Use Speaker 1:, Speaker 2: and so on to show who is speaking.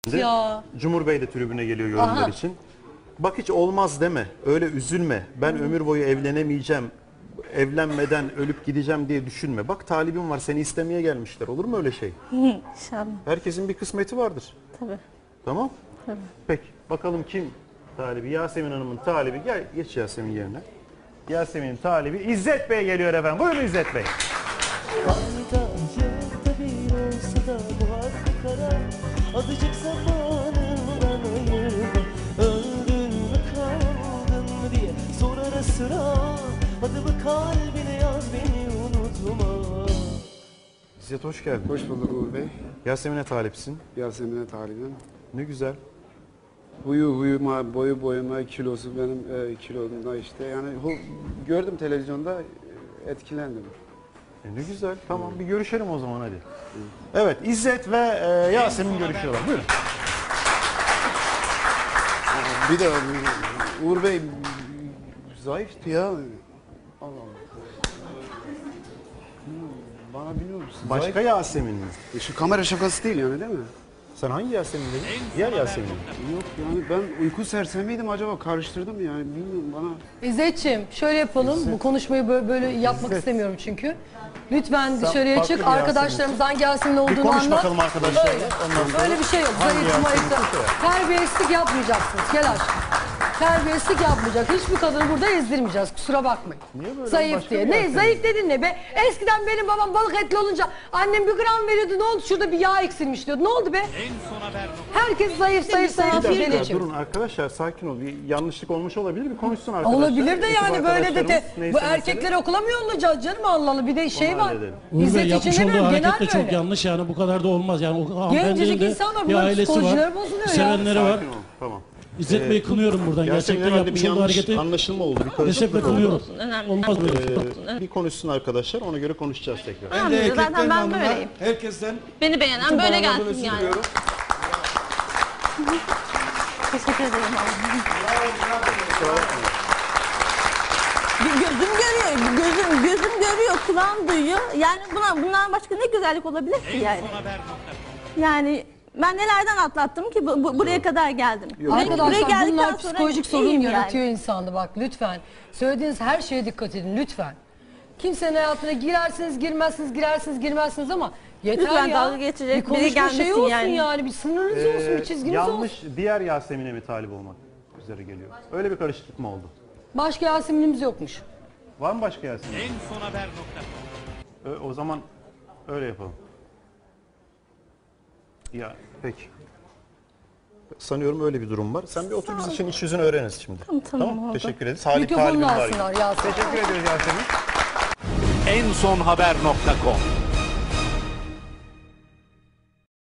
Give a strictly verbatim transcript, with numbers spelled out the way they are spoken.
Speaker 1: Ya.
Speaker 2: Cumhur Bey de tribüne geliyor yorumlar Aha. için. Bak hiç olmaz deme, öyle üzülme. Ben Hı. ömür boyu evlenemeyeceğim, evlenmeden ölüp gideceğim diye düşünme. Bak talibim var, seni istemeye gelmişler. Olur mu öyle şey?
Speaker 1: İnşallah.
Speaker 2: Herkesin bir kısmeti vardır.
Speaker 1: Tabii.
Speaker 2: Tamam?
Speaker 1: Tabii.
Speaker 2: Peki, bakalım kim talibi? Yasemin Hanım'ın talibi. Gel, geç Yasemin yerine. Yasemin'in talibi İzzet Bey geliyor efendim. Buyurun İzzet Bey.
Speaker 3: Azıcık zamanından ayırma, öldün mü kaldın mı diye sor ara sıra. Adımı kalbine yaz, beni unutma.
Speaker 2: İzzet hoş geldin.
Speaker 4: Hoş bulduk Uğur Bey.
Speaker 2: Yasemin'e talipsin.
Speaker 4: Yasemin'e talibim.
Speaker 2: Ne güzel.
Speaker 4: Huyu huyuma, boyu boyuma, kilosu benim e, kilomda işte. Yani hu, gördüm televizyonda, etkilendim.
Speaker 2: E ne güzel. Tamam bir görüşelim o zaman hadi. Evet İzzet ve e, Yasemin görüşüyorlar. Buyurun.
Speaker 4: Bir de Uğur Bey zayıftı ya. Allah Allah. Bana biliyor musun?
Speaker 2: Başka
Speaker 4: Zayıf.
Speaker 2: Yasemin mi?
Speaker 4: E, Şu kamera şakası değil yani değil mi?
Speaker 2: Sen hangi Yasemin dedin? Diğer Yasemin.
Speaker 4: Yok yani ben uyku sersemiydim acaba, karıştırdım yani bilmiyorum bana.
Speaker 1: İzzetciğim şöyle yapalım. İzzet. Bu konuşmayı böyle, böyle yapmak İzzet. istemiyorum çünkü. Lütfen
Speaker 2: Sen
Speaker 1: dışarıya çık. Arkadaşlarımız hangi Yasemin olduğunu anlat. Bir konuş
Speaker 2: bakalım arkadaşlar.
Speaker 1: Böyle, böyle bir şey yok. Zayıf mayıfta. Terbiyesizlik yapmayacaksınız. Gel aşkım. Terbiyesizlik yapmayacak. Hiçbir kadını burada ezdirmeyeceğiz. Kusura bakmayın.
Speaker 2: Niye böyle?
Speaker 1: Zayıf diye. Ne zayıf dedin ne be? Eskiden benim babam balık etli olunca annem bir gram veriyordu. Ne oldu? Şurada bir yağ eksilmiş diyordu. Ne oldu be? Herkes zayıf zayıf zayıf.
Speaker 2: Bir dakika, durun arkadaşlar sakin ol. Bir yanlışlık olmuş olabilir. Bir konuşsun arkadaşlar.
Speaker 1: Olabilir de yani böyle de, de bu erkekleri okula mı yollayacağız canım, Allah Allah, bir de şey var.
Speaker 5: Uğur Bey yapmış olduğu hareket de çok yanlış yani, bu kadar da olmaz yani. O
Speaker 1: Gencecik insanlar, bunların psikolojileri bozuluyor ya.
Speaker 5: Sevenleri var.
Speaker 2: Tamam.
Speaker 5: İzzet Bey'i kınıyorum buradan. Gerçekten yapmış olduğu hareketi
Speaker 2: anlaşılma oldu. Bir
Speaker 5: kesinlikle kınıyorum. Olmaz böyle.
Speaker 2: Ee, bir konuşsun arkadaşlar, ona göre konuşacağız tekrar.
Speaker 6: Ben de zaten ben böyleyim.
Speaker 4: Herkesten
Speaker 6: beni beğenen böyle gelsin yani. Teşekkür ederim. Gözüm görüyor, gözüm gözüm görüyor, kulağım duyuyor. Yani buna bundan başka ne güzellik olabilir ki yani? Yani ben nelerden atlattım ki bu, bu, buraya kadar geldim. Buraya,
Speaker 1: Arkadaşlar
Speaker 6: buraya
Speaker 1: bunlar psikolojik sorun yaratıyor
Speaker 6: yani.
Speaker 1: insanda, bak lütfen. Söylediğiniz her şeye dikkat edin lütfen. Kimsenin hayatına girersiniz, girmezsiniz, girersiniz, girmezsiniz ama yeter
Speaker 6: lütfen
Speaker 1: ya.
Speaker 6: Dalga geçecek
Speaker 1: bir konuşma
Speaker 6: biri gelmesin
Speaker 1: şey olsun
Speaker 6: yani.
Speaker 1: yani. Bir sınırınız ee, olsun, bir çizginiz
Speaker 2: yanlış,
Speaker 1: olsun.
Speaker 2: Yanlış diğer Yasemin'e mi talip olmak üzere geliyor? Öyle bir karışıklık mı oldu?
Speaker 1: Başka Yasemin'imiz yokmuş.
Speaker 2: Var mı başka Yasemin? En son haber nokta. O zaman öyle yapalım. Ya peki. Sanıyorum öyle bir durum var. Sen bir otur, biz için iç yüzünü öğreniriz şimdi.
Speaker 6: Tamam, tamam,
Speaker 2: tamam.
Speaker 6: oldu.
Speaker 2: Teşekkür ederiz. Salih
Speaker 1: Mikrofonunu
Speaker 2: talibim var.
Speaker 1: alsınlar Yasemin.
Speaker 2: Teşekkür ediyoruz Yasemin.
Speaker 7: en son haber nokta com